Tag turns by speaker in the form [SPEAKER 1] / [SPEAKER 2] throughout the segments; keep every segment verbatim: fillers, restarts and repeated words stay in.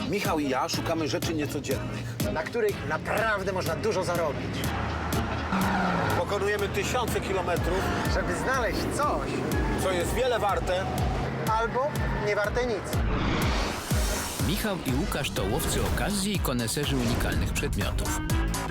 [SPEAKER 1] Michał i ja szukamy rzeczy niecodziennych.
[SPEAKER 2] na których naprawdę można dużo zarobić.
[SPEAKER 1] Pokonujemy tysiące kilometrów,
[SPEAKER 2] Żeby znaleźć coś,
[SPEAKER 1] co jest wiele warte.
[SPEAKER 2] albo nie warte nic.
[SPEAKER 3] Michał i Łukasz to łowcy okazji i koneserzy unikalnych przedmiotów.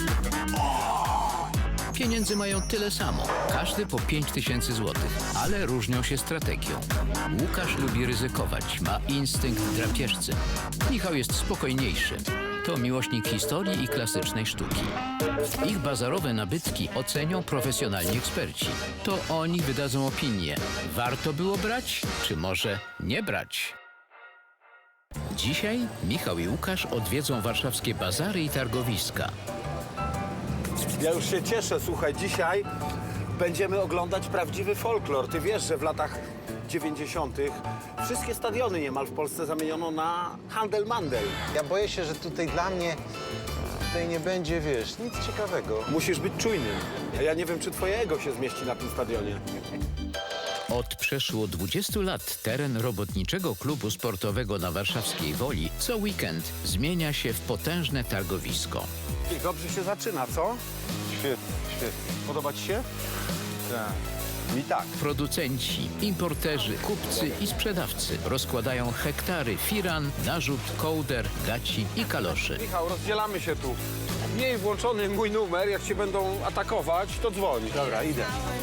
[SPEAKER 3] Pieniędzy mają tyle samo, każdy po pięć tysięcy złotych, ale różnią się strategią. Łukasz lubi ryzykować, ma instynkt drapieżcy. Michał jest spokojniejszy. To miłośnik historii i klasycznej sztuki. Ich bazarowe nabytki ocenią profesjonalni eksperci. To oni wydadzą opinię. Warto było brać, czy może nie brać? Dzisiaj Michał i Łukasz odwiedzą warszawskie bazary i targowiska.
[SPEAKER 1] Ja już się cieszę, słuchaj, dzisiaj będziemy oglądać prawdziwy folklor. Ty wiesz, że w latach dziewięćdziesiątych wszystkie stadiony niemal w Polsce zamieniono na handel-mandel.
[SPEAKER 2] Ja boję się, że tutaj dla mnie tutaj nie będzie, wiesz, nic ciekawego.
[SPEAKER 1] Musisz być czujnym. A ja nie wiem, czy twoje ego się zmieści na tym stadionie.
[SPEAKER 3] Od przeszło dwudziestu lat teren robotniczego klubu sportowego na warszawskiej Woli co weekend zmienia się w potężne targowisko.
[SPEAKER 1] I dobrze się zaczyna, co?
[SPEAKER 2] Świetnie, świetnie.
[SPEAKER 1] Podoba ci się?
[SPEAKER 2] Tak.
[SPEAKER 1] Mi tak.
[SPEAKER 3] Producenci, importerzy, kupcy i sprzedawcy rozkładają hektary firan, narzut, kołder, gaci i kaloszy.
[SPEAKER 1] Michał, rozdzielamy się tu. Miej włączony mój numer, jak cię będą atakować, to dzwoń.
[SPEAKER 2] Dobra, idę.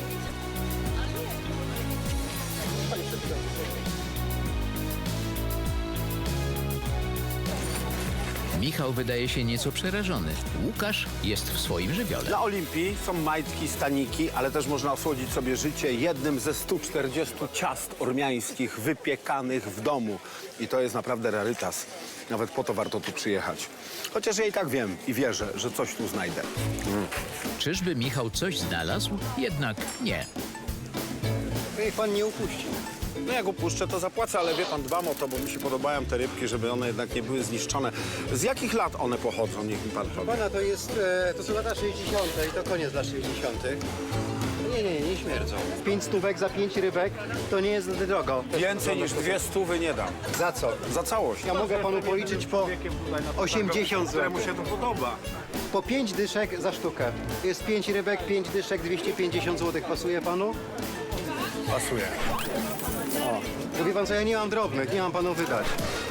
[SPEAKER 3] Michał wydaje się nieco przerażony. Łukasz jest w swoim żywiole.
[SPEAKER 1] Na Olimpii są majtki, staniki, ale też można osłodzić sobie życie jednym ze stu czterdziestu ciast ormiańskich wypiekanych w domu. I to jest naprawdę rarytas. Nawet po to warto tu przyjechać. Chociaż ja i tak wiem i wierzę, że coś tu znajdę.
[SPEAKER 3] Czyżby Michał coś znalazł? Jednak nie.
[SPEAKER 2] Niech pan nie upuści.
[SPEAKER 1] No jak upuszczę, to zapłacę, ale wie pan, dbam o to, bo mi się podobają te rybki, żeby one jednak nie były zniszczone. Z jakich lat one pochodzą? Niech mi pan powie.
[SPEAKER 4] Pana, to jest, e, to są lata sześćdziesiąte i to koniec lat sześćdziesiątych. Nie, nie, nie, nie śmierdzą. Pięć stówek za pięć rybek to nie jest drogo.
[SPEAKER 1] Więcej niż dwie stówy nie dam.
[SPEAKER 4] Za co?
[SPEAKER 1] Za całość.
[SPEAKER 4] Ja mogę panu policzyć po osiemdziesiąt
[SPEAKER 1] Któremu
[SPEAKER 4] złotych.
[SPEAKER 1] się to podoba.
[SPEAKER 4] Po pięć dyszek za sztukę. Jest pięć rybek, pięć dyszek, dwieście pięćdziesiąt złotych. Pasuje panu?
[SPEAKER 1] Pasuje.
[SPEAKER 4] To wie pan co, ja nie mam drobnych, nie mam panu wydać.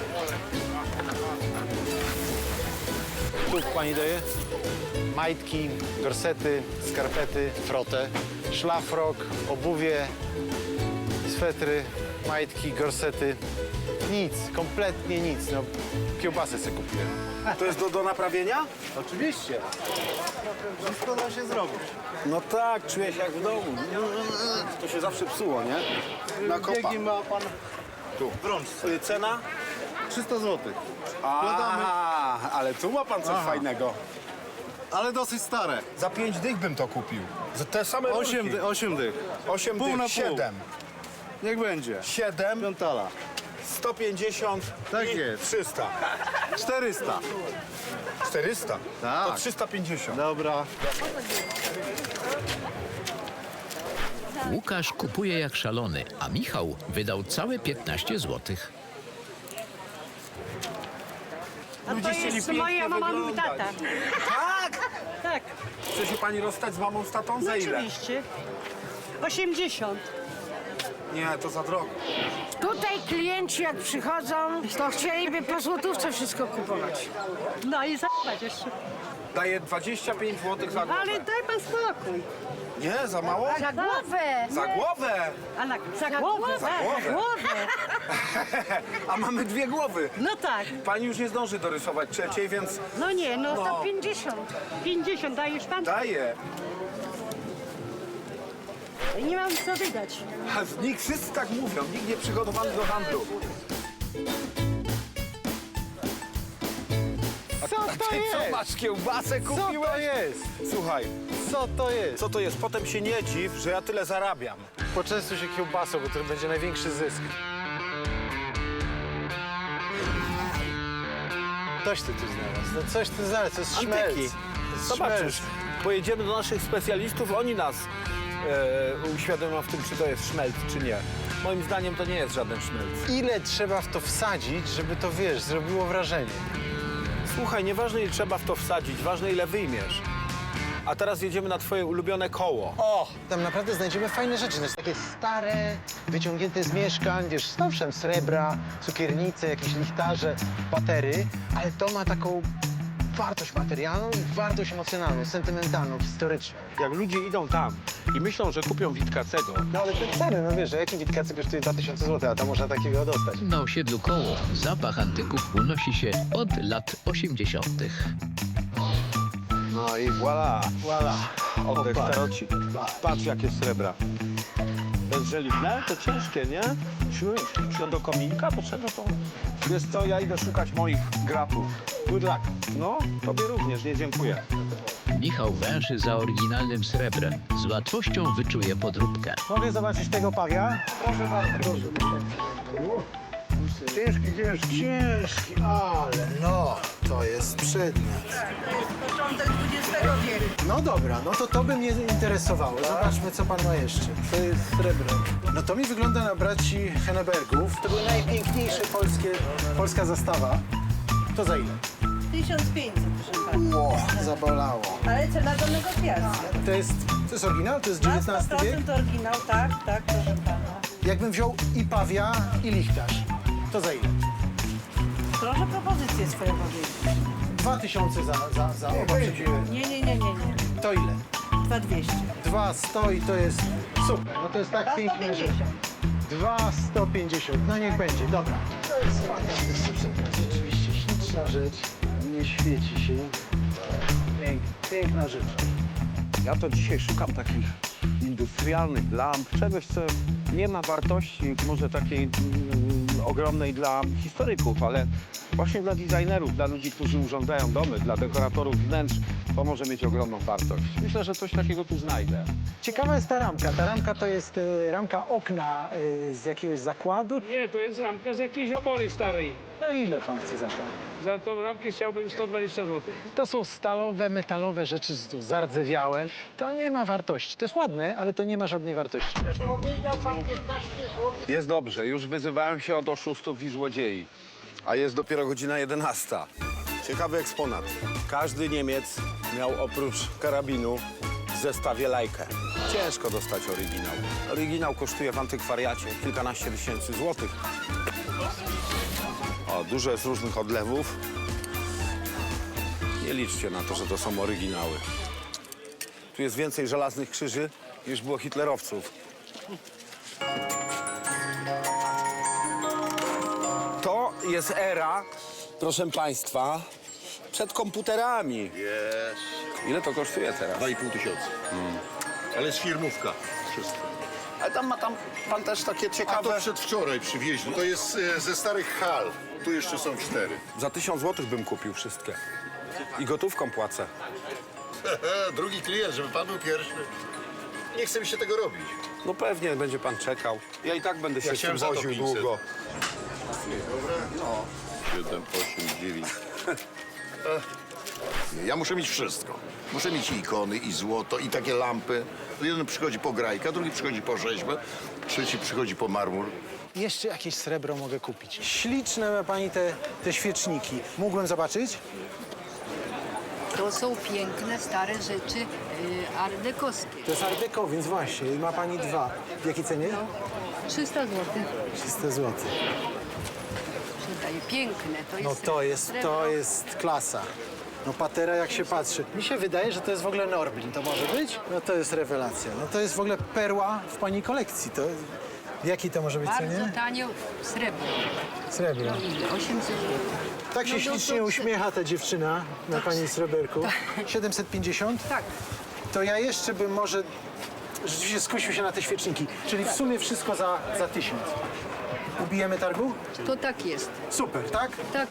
[SPEAKER 2] Tu pani daje majtki, gorsety, skarpety, frotę, szlafrok, obuwie, swetry, majtki, gorsety. Nic, kompletnie nic. No, kiełbasę sobie kupiłem.
[SPEAKER 1] To jest do, do naprawienia?
[SPEAKER 4] Oczywiście. Wszystko da się zrobić.
[SPEAKER 1] No tak, czuję się jak w domu. To się zawsze psuło, nie? Na kopa.
[SPEAKER 4] Biegi ma pan
[SPEAKER 1] Tu.
[SPEAKER 4] w rączce.
[SPEAKER 1] Y, Cena?
[SPEAKER 4] trzysta złotych.
[SPEAKER 1] A, ale tu ma pan coś
[SPEAKER 4] Aha.
[SPEAKER 1] fajnego.
[SPEAKER 4] Ale dosyć stare.
[SPEAKER 1] Za pięć dych bym to kupił. Za te same
[SPEAKER 4] Osiem,
[SPEAKER 1] rurki.
[SPEAKER 4] dy, osiem dych.
[SPEAKER 1] Osiem
[SPEAKER 4] pół
[SPEAKER 1] dych,
[SPEAKER 4] na pół.
[SPEAKER 1] siedem.
[SPEAKER 4] Niech będzie.
[SPEAKER 1] Siedem,
[SPEAKER 4] Piątala.
[SPEAKER 1] sto pięćdziesiąt
[SPEAKER 4] Tak
[SPEAKER 1] i
[SPEAKER 4] jest.
[SPEAKER 1] trzysta.
[SPEAKER 4] czterysta.
[SPEAKER 1] czterysta?
[SPEAKER 4] Tak.
[SPEAKER 1] To trzysta pięćdziesiąt.
[SPEAKER 4] Dobra.
[SPEAKER 3] Łukasz kupuje jak szalony, a Michał wydał całe piętnaście złotych.
[SPEAKER 5] A to jest moja mama, mój tata.
[SPEAKER 1] Tak?
[SPEAKER 5] Tak,
[SPEAKER 1] Chce się pani rozstać z mamą, z tatą? Za ile?
[SPEAKER 5] oczywiście. osiemdziesiąt.
[SPEAKER 1] Nie, to za drogo.
[SPEAKER 6] Tutaj klienci jak przychodzą, to chcieliby po złotówce wszystko kupować.
[SPEAKER 5] No i za***ać jeszcze.
[SPEAKER 1] Daję dwadzieścia pięć złotych za głowę.
[SPEAKER 5] Ale daj pan spokój.
[SPEAKER 1] Nie, za mało?
[SPEAKER 6] Za głowę!
[SPEAKER 1] Za głowę!
[SPEAKER 5] A na, za głowę,
[SPEAKER 1] Za
[SPEAKER 5] za
[SPEAKER 1] głowę.
[SPEAKER 5] głowę.
[SPEAKER 1] A mamy dwie głowy.
[SPEAKER 5] No tak.
[SPEAKER 1] Pani już nie zdąży dorysować trzeciej, więc
[SPEAKER 5] No nie, no
[SPEAKER 6] To
[SPEAKER 5] to
[SPEAKER 6] pięćdziesiąt.
[SPEAKER 5] pięćdziesiąt dajesz pan?
[SPEAKER 1] daję.
[SPEAKER 5] Nie mam co wydać.
[SPEAKER 1] A nikt, wszyscy tak mówią, nikt nie przygotowany do handlu.
[SPEAKER 4] Co
[SPEAKER 1] A
[SPEAKER 4] to
[SPEAKER 1] ty co,
[SPEAKER 4] jest?
[SPEAKER 1] masz kiełbasę
[SPEAKER 4] Co
[SPEAKER 1] kupiłeś?
[SPEAKER 4] to jest?
[SPEAKER 1] Słuchaj,
[SPEAKER 4] Co to jest?
[SPEAKER 1] co to jest? Potem się nie dziw, że ja tyle zarabiam.
[SPEAKER 2] Poczęstuj się kiełbasą, bo to będzie największy zysk. Coś ty tu znalazł. No coś ty znalazł, to jest szmelc.
[SPEAKER 1] Antyki.
[SPEAKER 2] To jest
[SPEAKER 1] Zobaczysz,
[SPEAKER 2] szmelc.
[SPEAKER 1] pojedziemy do naszych specjalistów, oni nas e, uświadomią w tym, czy to jest szmelc, czy nie. moim zdaniem to nie jest żaden szmelc.
[SPEAKER 2] Ile trzeba w to wsadzić, żeby to, wiesz, zrobiło wrażenie?
[SPEAKER 1] Słuchaj, nieważne ile trzeba w to wsadzić, ważne ile wyjmiesz. A teraz jedziemy na twoje ulubione koło.
[SPEAKER 2] O! Tam naprawdę znajdziemy fajne rzeczy. To jest takie stare, wyciągnięte z mieszkań, wiesz, z owszem, srebra, cukiernice, jakieś lichtarze, batery, ale to ma taką wartość materialną i wartość emocjonalną, sentymentalną, historyczną.
[SPEAKER 1] Jak ludzie idą tam i myślą, że kupią Witkacego,
[SPEAKER 2] No ale te ceny, no wiesz, a jaki Witkacy kosztuje dwa tysiące złotych, a tam można takiego dostać.
[SPEAKER 3] Na osiedlu Koło zapach antyków unosi się od lat osiemdziesiątych.
[SPEAKER 1] no i voilà, voilà. Oddech starocik. Patrz jakie srebra. Bezżeliwne? To ciężkie, nie? Czy do kominka? To czego to? Wiesz co, ja idę szukać moich gratów. Good luck. No, tobie również, nie dziękuję.
[SPEAKER 3] Michał węszy za oryginalnym srebrem. Z łatwością wyczuje podróbkę.
[SPEAKER 4] Mogę zobaczyć tego pawia? Proszę bardzo. Ciężki, ciężki.
[SPEAKER 2] Ciężki, ale no, to jest przedmiot.
[SPEAKER 5] Początek dwudziestego wieku.
[SPEAKER 2] No dobra, no to to by mnie interesowało. Zobaczmy, co pan ma jeszcze. To jest srebro. No to mi wygląda na braci Hennebergów. To były najpiękniejsze polskie, polska zastawa. To za ile?
[SPEAKER 5] tysiąc pięćset, proszę pana.
[SPEAKER 2] Ło, zabolało.
[SPEAKER 5] Ale cena do negocjacji.
[SPEAKER 2] To jest, to jest oryginał? To jest
[SPEAKER 5] Na
[SPEAKER 2] dziewiętnasty wiek?
[SPEAKER 5] sto procent oryginał, tak, tak, proszę pana.
[SPEAKER 2] Jakbym wziął i pawia, i lichtarz, to za ile?
[SPEAKER 5] Proszę propozycję swoją powiedzieć.
[SPEAKER 2] Dwa tysiące za, za, za oba przedziły.
[SPEAKER 5] Nie, nie, nie, nie, nie.
[SPEAKER 2] To ile?
[SPEAKER 5] dwa dwieście.
[SPEAKER 2] Dwa sto i to jest super. No to jest tak pięknie, że... Dwa sto pięćdziesiąt. No niech będzie, dobra. To jest fantastyczny przedmiot. Rzeczywiście śliczna rzecz. Nie świeci się. Pięk, piękna rzecz.
[SPEAKER 1] Ja to dzisiaj szukam takich industrialnych lamp, czegoś, co nie ma wartości może takiej mm, ogromnej dla historyków, ale właśnie dla designerów, dla ludzi, którzy urządzają domy, dla dekoratorów wnętrz, to może mieć ogromną wartość. Myślę, że coś takiego tu znajdę.
[SPEAKER 2] Ciekawa jest ta ramka. Ta ramka to jest e, ramka okna e, z jakiegoś zakładu.
[SPEAKER 7] Nie, to jest ramka z jakiejś opory starej.
[SPEAKER 2] No ile pan chce za to?
[SPEAKER 7] Za tą ramkę chciałbym sto dwadzieścia złotych.
[SPEAKER 2] To są stalowe, metalowe rzeczy, tu zardzewiałe. To nie ma wartości. To jest ładne, ale to nie ma żadnej wartości.
[SPEAKER 1] Jest dobrze, już wyzywałem się od oszustów i złodziei, a jest dopiero godzina jedenasta. Ciekawy eksponat. Każdy Niemiec miał oprócz karabinu w zestawie lajkę. Ciężko dostać oryginał. Oryginał kosztuje w antykwariacie kilkanaście tysięcy złotych. O, dużo jest różnych odlewów. Nie liczcie na to, że to są oryginały. Tu jest więcej żelaznych krzyży niż było hitlerowców. To jest era, proszę państwa, przed komputerami.
[SPEAKER 8] Jest.
[SPEAKER 1] Ile to kosztuje teraz?
[SPEAKER 8] Dwa i pół tysiąca. Ale jest firmówka. Wszystko.
[SPEAKER 1] Ale tam ma tam pan też takie
[SPEAKER 8] A to
[SPEAKER 1] ciekawe...
[SPEAKER 8] przedwczoraj przywieźli. To jest e, ze starych hal. Tu jeszcze są cztery.
[SPEAKER 1] Za tysiąc złotych bym kupił wszystkie. I gotówką płacę.
[SPEAKER 8] Drugi klient, żeby pan był pierwszy. Nie chce mi się tego robić.
[SPEAKER 1] No pewnie będzie pan czekał. Ja i tak będę się
[SPEAKER 8] Ja
[SPEAKER 1] z tym
[SPEAKER 8] chciałem za to
[SPEAKER 1] woził
[SPEAKER 8] pięćset.
[SPEAKER 1] długo.
[SPEAKER 8] Dobra? No. Siedem, osiem, dziewięć. Nie, ja muszę mieć wszystko. Muszę mieć i ikony, i złoto, i takie lampy. Jeden przychodzi po grajka, drugi przychodzi po rzeźbę, trzeci przychodzi po marmur.
[SPEAKER 2] Jeszcze jakieś srebro mogę kupić. Śliczne ma pani te, te świeczniki. Mógłbym zobaczyć?
[SPEAKER 9] To są piękne, stare rzeczy y, ardekowskie.
[SPEAKER 2] To jest art deco, więc właśnie. Ma pani dwa. W jakiej cenie?
[SPEAKER 9] trzysta złotych.
[SPEAKER 2] trzysta złotych.
[SPEAKER 9] Przydaje. Piękne. To jest
[SPEAKER 2] No to jest,
[SPEAKER 9] srebro.
[SPEAKER 2] to jest klasa. No patera jak się patrzy. Mi się wydaje, że to jest w ogóle Norblin. To może być? No to jest rewelacja. No to jest w ogóle perła w pani kolekcji. To w jakiej to może być
[SPEAKER 9] Bardzo
[SPEAKER 2] cenie?
[SPEAKER 9] tanio srebro.
[SPEAKER 2] Srebro.
[SPEAKER 9] No ile? osiemset złotych.
[SPEAKER 2] Tak się
[SPEAKER 9] No, no,
[SPEAKER 2] ślicznie
[SPEAKER 9] to-
[SPEAKER 2] uśmiecha ta dziewczyna na pani sreberku. siedemset pięćdziesiąt?
[SPEAKER 9] Tak.
[SPEAKER 2] To ja jeszcze bym może rzeczywiście skusił się na te świeczniki. Czyli w sumie wszystko za, za tysiąc. Ubijemy targu?
[SPEAKER 9] To tak jest.
[SPEAKER 2] Super, tak?
[SPEAKER 9] Tak.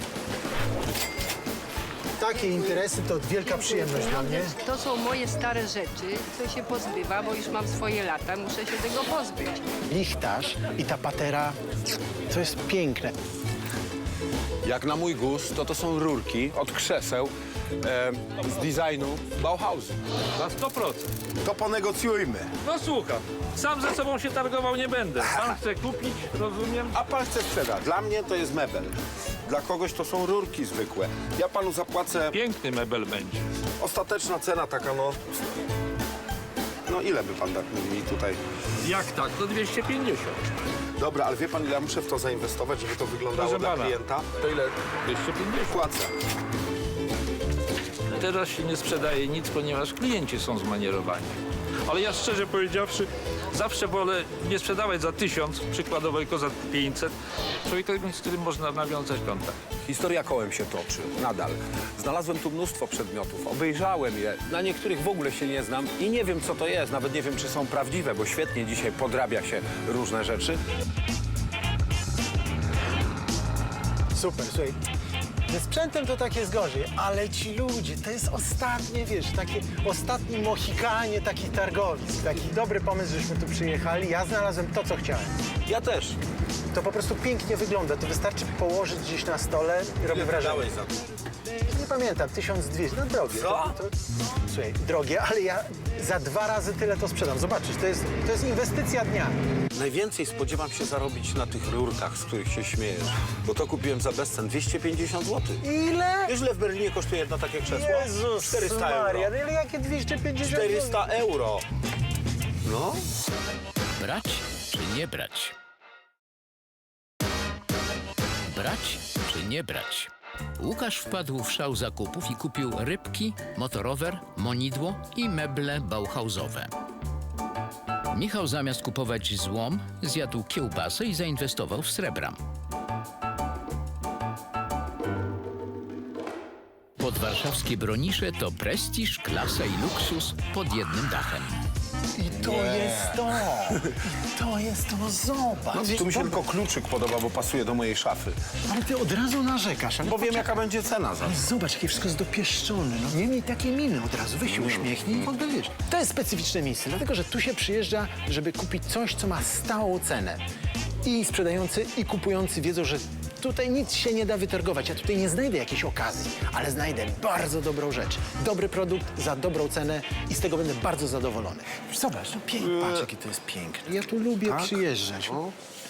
[SPEAKER 2] Takie interesy to wielka przyjemność dla mnie.
[SPEAKER 9] To są moje stare rzeczy, co się pozbywa, bo już mam swoje lata, muszę się tego pozbyć.
[SPEAKER 2] Lichtarz i ta patera, to jest piękne.
[SPEAKER 1] Jak na mój gust, to to są rurki od krzeseł e, z designu Bauhausu.
[SPEAKER 7] Na sto procent.
[SPEAKER 1] To ponegocjujmy.
[SPEAKER 7] No słucham, sam ze sobą się targował nie będę. Pan chce kupić, rozumiem?
[SPEAKER 1] A pan chce sprzedać. Dla mnie to jest mebel. Dla kogoś to są rurki zwykłe. Ja panu zapłacę...
[SPEAKER 7] Piękny mebel będzie.
[SPEAKER 1] Ostateczna cena taka, no... No ile by pan tak mi tutaj...
[SPEAKER 7] Jak tak, to dwieście pięćdziesiąt.
[SPEAKER 1] Dobra, ale wie pan, ile ja muszę w to zainwestować, żeby to wyglądało
[SPEAKER 7] Proszę
[SPEAKER 1] dla
[SPEAKER 7] pana.
[SPEAKER 1] klienta? To ile
[SPEAKER 7] dwieście pięćdziesiąt.
[SPEAKER 1] płacę?
[SPEAKER 7] Teraz się nie sprzedaje nic, ponieważ klienci są zmanierowani. Ale ja szczerze powiedziawszy, zawsze wolę nie sprzedawać za tysiąc, przykładowo tylko za pięćset, człowieka, z którym można nawiązać kontakt.
[SPEAKER 1] Historia kołem się toczy, nadal. Znalazłem tu mnóstwo przedmiotów, obejrzałem je, na niektórych w ogóle się nie znam i nie wiem, co to jest, nawet nie wiem, czy są prawdziwe, bo świetnie dzisiaj podrabia się różne rzeczy.
[SPEAKER 2] Super, słuchaj. Ze sprzętem to tak jest gorzej, ale ci ludzie, to jest ostatnie, wiesz, takie ostatni Mohikanie takich targowisk. Taki dobry pomysł, żeśmy tu przyjechali. Ja znalazłem to, co chciałem.
[SPEAKER 1] Ja też.
[SPEAKER 2] To po prostu pięknie wygląda. To wystarczy położyć gdzieś na stole i robi wrażenie.
[SPEAKER 1] za to?
[SPEAKER 2] Nie pamiętam, tysiąc dwieście, no drogie.
[SPEAKER 1] Co?
[SPEAKER 2] To, to, słuchaj, drogie, ale ja za dwa razy tyle to sprzedam. Zobaczysz, to jest, to jest inwestycja dnia.
[SPEAKER 1] Najwięcej spodziewam się zarobić na tych rurkach, z których się śmiejesz, bo to kupiłem za bezcen dwieście pięćdziesiąt złotych.
[SPEAKER 2] Ile?
[SPEAKER 1] Wiesz, ile w Berlinie kosztuje jedno takie krzesło?
[SPEAKER 2] Jezus
[SPEAKER 1] czterysta
[SPEAKER 2] Maria,
[SPEAKER 1] euro.
[SPEAKER 2] no ile jakie dwieście pięćdziesiąt?
[SPEAKER 1] czterysta euro. No.
[SPEAKER 3] Brać czy nie brać? Brać czy nie brać? Łukasz wpadł w szał zakupów i kupił rybki, motorower, monidło i meble bauhausowe. Michał zamiast kupować złom, zjadł kiełbasę i zainwestował w srebra. Podwarszawskie bronisze to prestiż, klasa i luksus pod jednym dachem.
[SPEAKER 2] I to jest to! I to jest to, no zobacz!
[SPEAKER 1] No, tu mi się tylko kluczyk podoba, bo pasuje do mojej szafy.
[SPEAKER 2] Ale ty od razu narzekasz, ale
[SPEAKER 1] Bo wiem,
[SPEAKER 2] poczekaj.
[SPEAKER 1] jaka będzie cena za to.
[SPEAKER 2] Ale zobacz, jakie wszystko jest dopieszczone. No, nie miej takiej miny od razu. Weź się uśmiechnij i w ogóle wiesz. To jest specyficzne miejsce, dlatego że tu się przyjeżdża, żeby kupić coś, co ma stałą cenę. I sprzedający, i kupujący wiedzą, że tutaj nic się nie da wytargować. Ja tutaj nie znajdę jakiejś okazji, ale znajdę bardzo dobrą rzecz. Dobry produkt za dobrą cenę i z tego będę bardzo zadowolony. Zobacz, no pięknie. Patrz, jakie to jest piękne. Ja tu lubię
[SPEAKER 1] Tak?
[SPEAKER 2] przyjeżdżać.
[SPEAKER 1] O.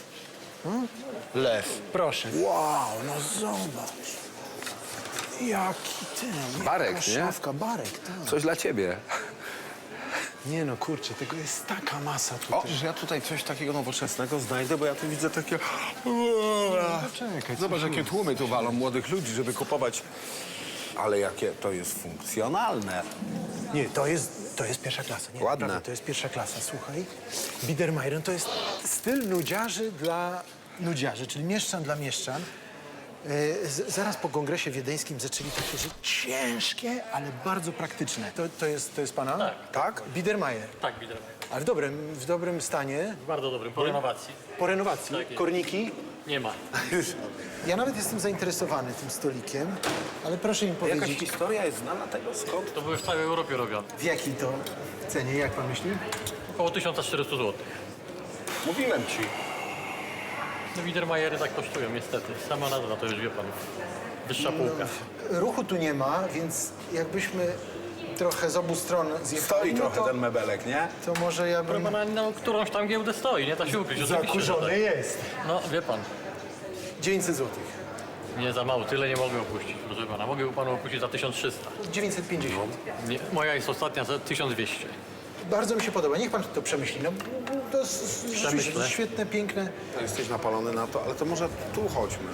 [SPEAKER 2] Lew. Proszę. Wow, no zobacz. Jaki ten,
[SPEAKER 1] Barek,
[SPEAKER 2] jaka
[SPEAKER 1] nie?
[SPEAKER 2] szafka, barek, tak.
[SPEAKER 1] Coś dla ciebie.
[SPEAKER 2] Nie no, kurczę, tego jest taka masa
[SPEAKER 1] O,
[SPEAKER 2] tutaj.
[SPEAKER 1] że ja tutaj coś takiego nowoczesnego znajdę, bo ja tu widzę takie...
[SPEAKER 2] Poczekaj,
[SPEAKER 1] Zobacz, jakie tłumy tu walą młodych ludzi, żeby kupować. Ale jakie to jest funkcjonalne.
[SPEAKER 2] Nie, to jest, to jest pierwsza klasa. Nie,
[SPEAKER 1] Ładne.
[SPEAKER 2] naprawdę, to jest pierwsza klasa, słuchaj. Biedermeier to jest styl nudziarzy dla nudziarzy, czyli mieszczan dla mieszczan. E, z, zaraz po kongresie wiedeńskim zaczęli takie rzeczy ciężkie, ale bardzo praktyczne. To, to, jest, to jest pana?
[SPEAKER 10] Tak.
[SPEAKER 2] Tak? Biedermeier.
[SPEAKER 10] Tak, Biedermeier.
[SPEAKER 2] Ale w dobrym, w dobrym stanie,
[SPEAKER 10] W bardzo dobrym, po renowacji.
[SPEAKER 2] po renowacji.
[SPEAKER 10] Tak jest.
[SPEAKER 2] Korniki.
[SPEAKER 10] Nie ma.
[SPEAKER 2] Ja nawet jestem zainteresowany tym stolikiem, ale proszę mi
[SPEAKER 1] Jakaś
[SPEAKER 2] powiedzieć,
[SPEAKER 1] historia jest znana tego skąd?
[SPEAKER 10] To były w całej Europie robione.
[SPEAKER 2] w jakiej to cenie, jak pan myśli?
[SPEAKER 10] Około tysiąc czterysta złotych.
[SPEAKER 1] Mówiłem ci.
[SPEAKER 10] No Biedermeiery tak kosztują niestety. Sama nazwa to już wie pan. Wyższa półka.
[SPEAKER 2] Ruchu tu nie ma, więc jakbyśmy trochę z obu stron zjechali,
[SPEAKER 1] Stoi
[SPEAKER 2] no
[SPEAKER 1] trochę
[SPEAKER 2] to,
[SPEAKER 1] ten mebelek, nie?
[SPEAKER 2] to może ja
[SPEAKER 10] Proszę
[SPEAKER 2] bym...
[SPEAKER 10] pana, no, którąś tam giełdę stoi, nie da się ukryć. Oczywiście, że
[SPEAKER 2] Zakurzony
[SPEAKER 10] tak.
[SPEAKER 2] jest.
[SPEAKER 10] No wie pan,
[SPEAKER 2] dziewięćset złotych.
[SPEAKER 10] nie za mało, tyle nie mogę opuścić, proszę pana. Mogę panu opuścić za tysiąc trzysta.
[SPEAKER 2] dziewięćset pięćdziesiąt.
[SPEAKER 10] Nie, moja jest ostatnia za tysiąc dwieście.
[SPEAKER 2] Bardzo mi się podoba, niech pan to przemyśli. No, to jest rzeczywiście
[SPEAKER 10] Przemyślę.
[SPEAKER 2] świetne, piękne.
[SPEAKER 1] Jesteś napalony na to, ale to może tu chodźmy.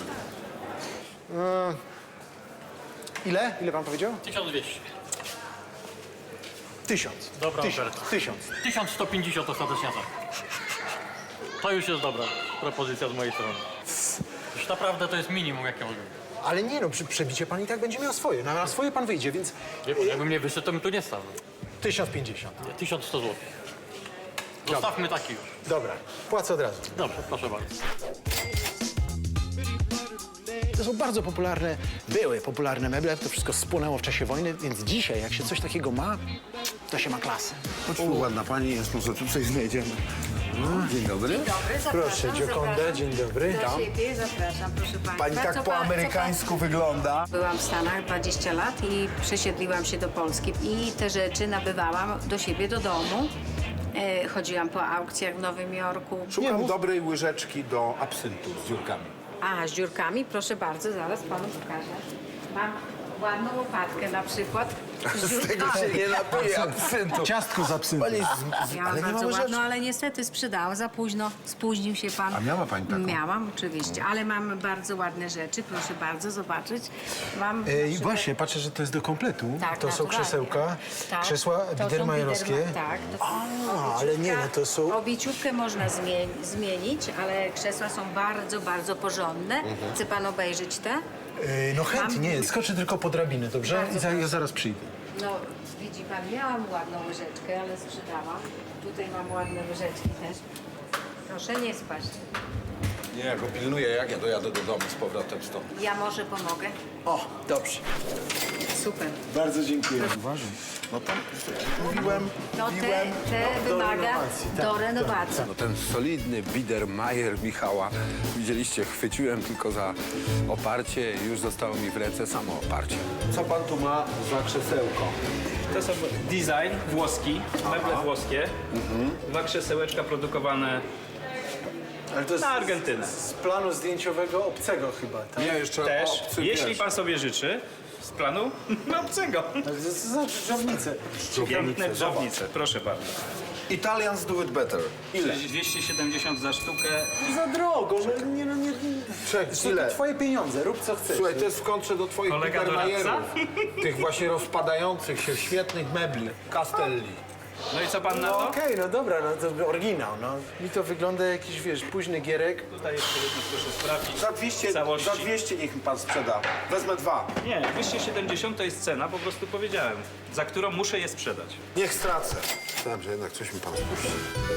[SPEAKER 2] Ile? Ile pan powiedział?
[SPEAKER 10] tysiąc dwieście.
[SPEAKER 2] Tysiąc.
[SPEAKER 10] Dobra
[SPEAKER 2] Tysiąc.
[SPEAKER 10] oferta.
[SPEAKER 2] Tysiąc.
[SPEAKER 10] tysiąc sto pięćdziesiąt ostatecznia tak. To już jest dobra propozycja z mojej strony. Już naprawdę to jest minimum, jakie mogę.
[SPEAKER 2] Ale nie no, przy przebicie pan i tak będzie miał swoje. Na, na swoje pan wyjdzie, więc
[SPEAKER 10] Wie pan, jakbym nie wyszedł, to bym tu nie stał.
[SPEAKER 2] tysiąc pięćdziesiąt.
[SPEAKER 10] tysiąc sto złotych. Zostawmy taki już.
[SPEAKER 2] Dobra, płacę od razu.
[SPEAKER 10] Dobrze, proszę bardzo.
[SPEAKER 2] To są bardzo popularne, były popularne meble, to wszystko spłonęło w czasie wojny, więc dzisiaj, jak się coś takiego ma, to się ma klasę.
[SPEAKER 1] Chodź tu, ładna pani jest, może tu coś znajdziemy. Dzień dobry.
[SPEAKER 2] Proszę, Gioconda, dzień dobry.
[SPEAKER 6] Do siebie zapraszam, proszę państwa.
[SPEAKER 8] Pani tak
[SPEAKER 6] Co
[SPEAKER 8] po
[SPEAKER 6] pan- co
[SPEAKER 8] amerykańsku wygląda.
[SPEAKER 11] Byłam w Stanach dwadzieścia lat i przesiedliłam się do Polski i te rzeczy nabywałam do siebie do domu. E, chodziłam po aukcjach w Nowym Jorku.
[SPEAKER 1] Szukam dobrej łyżeczki do absyntu z dziurkami.
[SPEAKER 11] A, z dziurkami? Proszę bardzo, zaraz panu pokażę. Mam ładną łopatkę na przykład. Z dziurkami.
[SPEAKER 8] nie napije absyntu.
[SPEAKER 2] Ciastko z absyntem.
[SPEAKER 11] Miałam
[SPEAKER 2] Ale nie ma
[SPEAKER 11] bardzo
[SPEAKER 2] łyżeczki.
[SPEAKER 11] ładną, ale niestety sprzedałam za późno. Spóźnił się pan.
[SPEAKER 8] A miała pani taką?
[SPEAKER 11] Miałam, oczywiście, ale mam bardzo ładne rzeczy. Proszę bardzo zobaczyć. Mam na
[SPEAKER 2] E, I
[SPEAKER 11] przykład-
[SPEAKER 2] właśnie, patrzę, że to jest do kompletu.
[SPEAKER 11] Tak,
[SPEAKER 2] to są
[SPEAKER 11] naturalnie.
[SPEAKER 2] krzesełka,
[SPEAKER 11] Tak,
[SPEAKER 2] krzesła
[SPEAKER 11] to są
[SPEAKER 2] biedermajerowskie.
[SPEAKER 11] biederma- Tak. To są
[SPEAKER 2] A, ale nie, no to są...
[SPEAKER 11] Obieciówkę można zmie- zmienić, ale krzesła są bardzo, bardzo porządne.
[SPEAKER 2] Mhm.
[SPEAKER 11] Chce pan obejrzeć te?
[SPEAKER 2] E, no chętnie, skoczę tylko po drabiny, dobrze?
[SPEAKER 11] Bardzo
[SPEAKER 2] I za, ja
[SPEAKER 11] proszę.
[SPEAKER 2] zaraz przyjdę.
[SPEAKER 11] No, widzi pan, miałam ładną łyżeczkę, ale sprzedałam. Tutaj mam ładne łyżeczki też. Proszę nie spaść.
[SPEAKER 1] Nie, ja go pilnuję, jak ja dojadę do domu z powrotem stąd.
[SPEAKER 11] Ja może pomogę.
[SPEAKER 2] O, dobrze.
[SPEAKER 11] Super.
[SPEAKER 2] Bardzo dziękuję. Uważaj.
[SPEAKER 8] No to mówiłem,
[SPEAKER 11] No te,
[SPEAKER 8] mówiłem.
[SPEAKER 11] te
[SPEAKER 2] do
[SPEAKER 11] wymaga
[SPEAKER 2] renowacji, tak,
[SPEAKER 11] do
[SPEAKER 2] tak,
[SPEAKER 11] renowacji.
[SPEAKER 1] No ten solidny Biedermeier Michała, widzieliście, chwyciłem tylko za oparcie i już zostało mi w ręce samo oparcie. Co pan tu ma za krzesełko?
[SPEAKER 12] To są design włoski, meble włoskie. Dwa krzesełeczka produkowane
[SPEAKER 2] Ale to jest
[SPEAKER 12] na Argentynę.
[SPEAKER 2] z planu zdjęciowego obcego chyba, tak?
[SPEAKER 1] Nie, jeszcze
[SPEAKER 12] Też,
[SPEAKER 1] obcy,
[SPEAKER 12] jeśli
[SPEAKER 1] wiesz.
[SPEAKER 12] pan sobie życzy, z planu obcego.
[SPEAKER 2] To znaczy drzewnicę.
[SPEAKER 12] Piękne drzewnice, proszę bardzo.
[SPEAKER 8] Italians do it better.
[SPEAKER 1] Ile?
[SPEAKER 12] dwieście siedemdziesiąt za sztukę.
[SPEAKER 2] Za drogo, że nie, no nie...
[SPEAKER 1] Czek,
[SPEAKER 2] To
[SPEAKER 1] ile?
[SPEAKER 2] twoje pieniądze, rób co chcesz.
[SPEAKER 1] Słuchaj, to jest w kontrze do twoich
[SPEAKER 12] Kolega
[SPEAKER 1] Biedermeierów.
[SPEAKER 12] doradca?
[SPEAKER 1] Tych właśnie rozpadających się świetnych mebli, Castelli.
[SPEAKER 12] No i co pan na
[SPEAKER 2] No
[SPEAKER 12] to?
[SPEAKER 2] okej, no dobra, no to oryginał, no. Mi to wygląda jakiś, wiesz, późny gierek.
[SPEAKER 12] Tutaj jeszcze jedno proszę sprawdzić.
[SPEAKER 1] Za dwieście,
[SPEAKER 12] Całości.
[SPEAKER 1] za dwieście niech mi pan sprzeda. Wezmę dwa.
[SPEAKER 12] Nie, dwieście siedemdziesiąt to jest cena, po prostu powiedziałem, za którą muszę je sprzedać.
[SPEAKER 1] Niech stracę. Myślałem, że jednak coś mi pan spuści.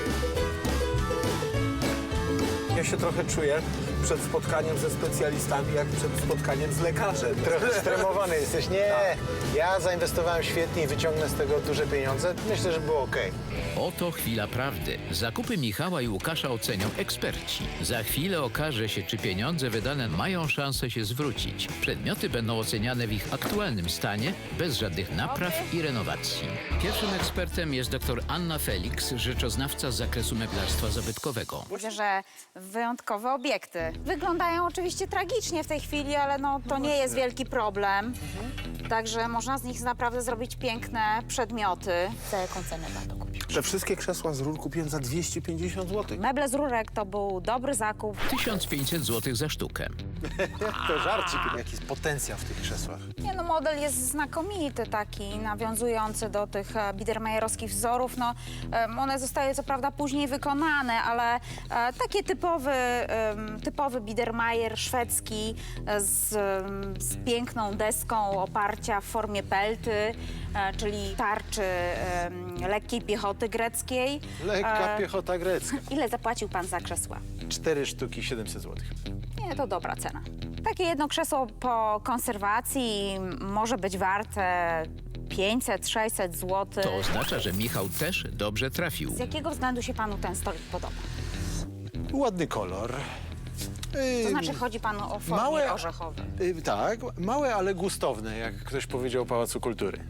[SPEAKER 1] Ja się trochę czuję przed spotkaniem ze specjalistami, jak przed spotkaniem z lekarzem.
[SPEAKER 2] Trochę stremowany jesteś. Nie, ja zainwestowałem świetnie i wyciągnę z tego duże pieniądze. Myślę, że było okej.
[SPEAKER 3] Oto chwila prawdy. Zakupy Michała i Łukasza ocenią eksperci. Za chwilę okaże się, czy pieniądze wydane mają szansę się zwrócić. Przedmioty będą oceniane w ich aktualnym stanie, bez żadnych napraw i renowacji. Pierwszym ekspertem jest dr Anna Felix, rzeczoznawca z zakresu meblarstwa zabytkowego.
[SPEAKER 13] Widzę, że wyjątkowe obiekty. Wyglądają oczywiście tragicznie w tej chwili, ale no, to nie jest wielki problem. Także można z nich naprawdę zrobić piękne przedmioty. Za jaką cenę pan to kupił?
[SPEAKER 1] Te wszystkie krzesła z rur kupiłem za dwieście pięćdziesiąt złotych.
[SPEAKER 13] Meble z rurek to był dobry zakup.
[SPEAKER 3] tysiąc pięćset złotych za sztukę.
[SPEAKER 2] To żarcik. Jaki jest potencjał w tych krzesłach.
[SPEAKER 13] Nie no, model jest znakomity taki, nawiązujący do tych e, biedermajerowskich wzorów. No, em, one zostały co prawda później wykonane, ale e, takie typowy, em, typowy biedermajer szwedzki e, z, em, z piękną deską oparcia w formie pelty, e, czyli tarczy em, lekkiej piechoty greckiej.
[SPEAKER 2] Lekka
[SPEAKER 13] E,
[SPEAKER 2] piechota grecka.
[SPEAKER 13] Ile zapłacił pan za krzesła?
[SPEAKER 2] Cztery sztuki, siedemset złotych.
[SPEAKER 13] Nie, to dobra cena. Takie jedno krzesło po konserwacji może być warte pięćset sześćset złotych.
[SPEAKER 3] To oznacza, że Michał też dobrze trafił.
[SPEAKER 13] Z jakiego względu się panu ten stolik podoba?
[SPEAKER 2] Ładny kolor.
[SPEAKER 13] To znaczy chodzi panu o formie
[SPEAKER 2] Małe-
[SPEAKER 13] orzechowej.
[SPEAKER 2] Y, tak, małe, ale gustowne, jak ktoś powiedział Pałacu Kultury.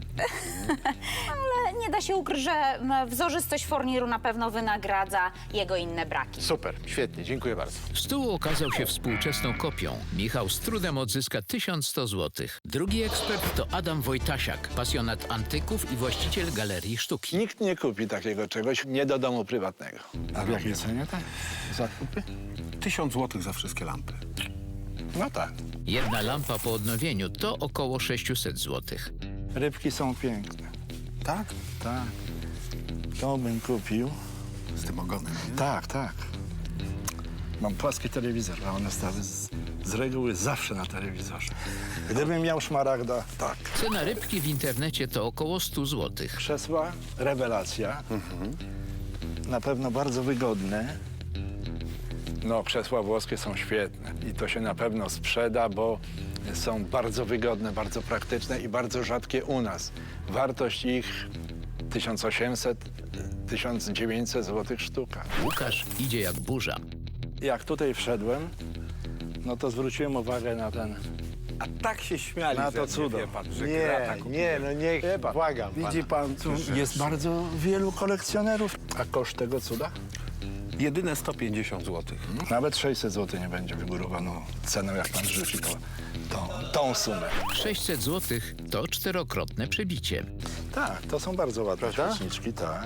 [SPEAKER 13] Ale nie da się ukryć, że m, wzorzystość forniru na pewno wynagradza jego inne braki.
[SPEAKER 2] Super, świetnie, dziękuję bardzo.
[SPEAKER 3] Stół okazał się współczesną kopią. Michał z trudem odzyska tysiąc sto złotych. Drugi ekspert to Adam Wojtasiak, pasjonat antyków i właściciel galerii sztuki.
[SPEAKER 14] Nikt nie kupi takiego czegoś, nie do domu prywatnego.
[SPEAKER 1] A w jakiej cenie tak? Zakupy? Tysiąc złotych za wszystkie lampy.
[SPEAKER 14] No tak.
[SPEAKER 3] Jedna lampa po odnowieniu to około sześćset złotych.
[SPEAKER 14] Rybki są piękne.
[SPEAKER 1] Tak?
[SPEAKER 14] Tak. To bym kupił.
[SPEAKER 1] Z tym ogonem, nie?
[SPEAKER 14] Tak, tak. Mam płaski telewizor, a one stały z, z reguły zawsze na telewizorze. Gdybym miał szmaragda, tak.
[SPEAKER 3] Cena rybki w internecie to około sto złotych.
[SPEAKER 14] Krzesła, rewelacja. Na pewno bardzo wygodne. No, krzesła włoskie są świetne i to się na pewno sprzeda, bo są bardzo wygodne, bardzo praktyczne i bardzo rzadkie u nas. Wartość ich tysiąc osiemset, tysiąc dziewięćset złotych sztuka.
[SPEAKER 3] Łukasz idzie jak burza.
[SPEAKER 14] Jak tutaj wszedłem, no to zwróciłem uwagę na ten,
[SPEAKER 1] A tak się śmiali
[SPEAKER 14] na
[SPEAKER 1] ze
[SPEAKER 14] to
[SPEAKER 1] mnie,
[SPEAKER 14] cudo.
[SPEAKER 1] wie pan, że
[SPEAKER 2] Nie,
[SPEAKER 1] grata
[SPEAKER 2] nie,
[SPEAKER 1] kupiłem.
[SPEAKER 2] no niech,
[SPEAKER 14] Wie pan,
[SPEAKER 2] błagam
[SPEAKER 14] widzi
[SPEAKER 2] pana.
[SPEAKER 14] pan, tu jest bardzo wielu kolekcjonerów. A koszt tego cuda?
[SPEAKER 1] Jedyne sto pięćdziesiąt złotych.
[SPEAKER 14] Nawet sześćset złotych nie będzie wygórowaną ceną, jak pan rzuci to, tą, tą sumę.
[SPEAKER 3] sześćset złotych to czterokrotne przebicie.
[SPEAKER 14] Tak, to są bardzo ładne
[SPEAKER 2] Prawda?
[SPEAKER 14] świeczniczki, tak.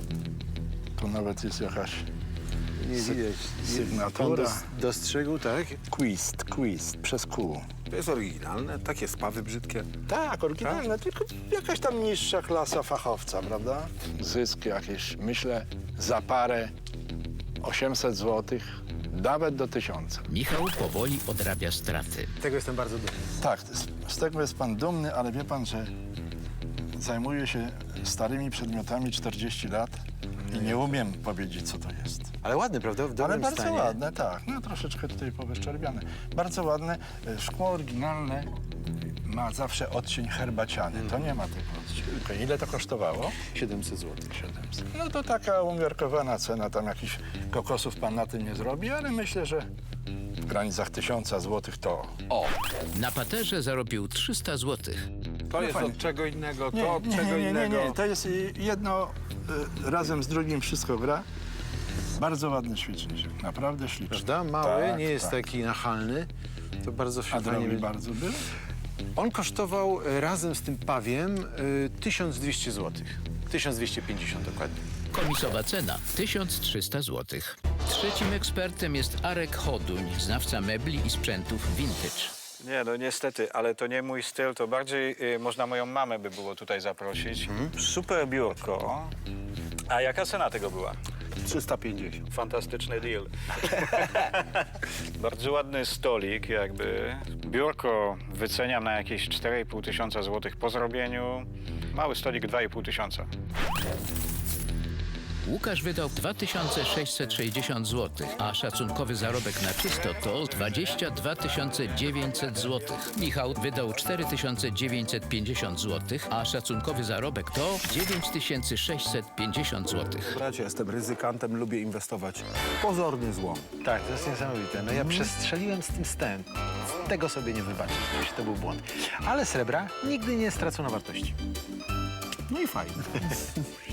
[SPEAKER 14] Tu nawet jest jakaś
[SPEAKER 2] Nie
[SPEAKER 14] sy-
[SPEAKER 2] widać. Pan
[SPEAKER 14] sygnatura.
[SPEAKER 2] dos- dostrzegł, tak?
[SPEAKER 14] Quist, Quist, przez Q.
[SPEAKER 1] To jest oryginalne, takie spawy brzydkie.
[SPEAKER 14] Tak, oryginalne, tylko jakaś tam niższa klasa fachowca, prawda? Zysk jakieś, myślę, za parę osiemset złotych, nawet do tysiąca.
[SPEAKER 3] Michał powoli odrabia straty.
[SPEAKER 2] Tego jestem bardzo dumny.
[SPEAKER 14] Tak, z, z tego jest pan dumny, ale wie pan, że zajmuję się starymi przedmiotami czterdzieści lat i nie umiem powiedzieć, co to jest.
[SPEAKER 2] Ale ładny, prawda? W
[SPEAKER 14] Ale
[SPEAKER 2] dobrym
[SPEAKER 14] bardzo
[SPEAKER 2] stanie.
[SPEAKER 14] ładne, tak. No troszeczkę tutaj powyszczerbiane. Bardzo ładne. E, Szkło oryginalne ma zawsze odcień herbaciany. To nie ma tego odcienia. Okej, ile to kosztowało?
[SPEAKER 2] siedemset złotych.
[SPEAKER 14] siedemset. No to taka umiarkowana cena. Tam jakichś kokosów pan na tym nie zrobi, ale myślę, że w granicach tysiąca złotych to...
[SPEAKER 3] O! Na paterze zarobił trzysta złotych.
[SPEAKER 1] To jest
[SPEAKER 14] fajnie.
[SPEAKER 1] od czego innego, to
[SPEAKER 14] Nie,
[SPEAKER 1] od
[SPEAKER 14] nie,
[SPEAKER 1] czego
[SPEAKER 14] nie, nie, nie,
[SPEAKER 1] innego.
[SPEAKER 14] nie. To jest y, jedno y, razem z drugim wszystko gra. Bardzo ładny świeczniczek, naprawdę śliczny.
[SPEAKER 2] Prawda? Mały,
[SPEAKER 14] Tak,
[SPEAKER 2] nie jest
[SPEAKER 14] tak.
[SPEAKER 2] taki nachalny. To bardzo
[SPEAKER 14] A
[SPEAKER 2] fajnie.
[SPEAKER 14] drogi
[SPEAKER 2] będzie.
[SPEAKER 14] bardzo był?
[SPEAKER 2] On kosztował e, razem z tym pawiem e, tysiąc dwieście złotych. tysiąc dwieście pięćdziesiąt dokładnie.
[SPEAKER 3] Komisowa cena tysiąc trzysta złotych. Trzecim ekspertem jest Arek Choduń, znawca mebli i sprzętów vintage.
[SPEAKER 15] Nie, no niestety, ale to nie mój styl, to bardziej y, można moją mamę by było tutaj zaprosić. Super biurko. A jaka cena tego była?
[SPEAKER 1] trzysta pięćdziesiąt.
[SPEAKER 15] Fantastyczny deal. Bardzo ładny stolik jakby. Biurko wyceniam na jakieś cztery i pół tysiąca złotych po zrobieniu. Mały stolik dwa i pół tysiąca.
[SPEAKER 3] Łukasz wydał dwa tysiące sześćset sześćdziesiąt złotych, a szacunkowy zarobek na czysto to dwadzieścia dwa tysiące dziewięćset złotych. Michał wydał cztery tysiące dziewięćset pięćdziesiąt złotych, a szacunkowy zarobek to dziewięć tysięcy sześćset pięćdziesiąt złotych.
[SPEAKER 1] Bracie, jestem ryzykantem, lubię inwestować. Pozorny złom.
[SPEAKER 2] Tak, to jest niesamowite. No ja przestrzeliłem z tym stem. Tego sobie nie wybaczę. To był błąd. Ale srebra nigdy nie stracono wartości.
[SPEAKER 1] No i fajnie.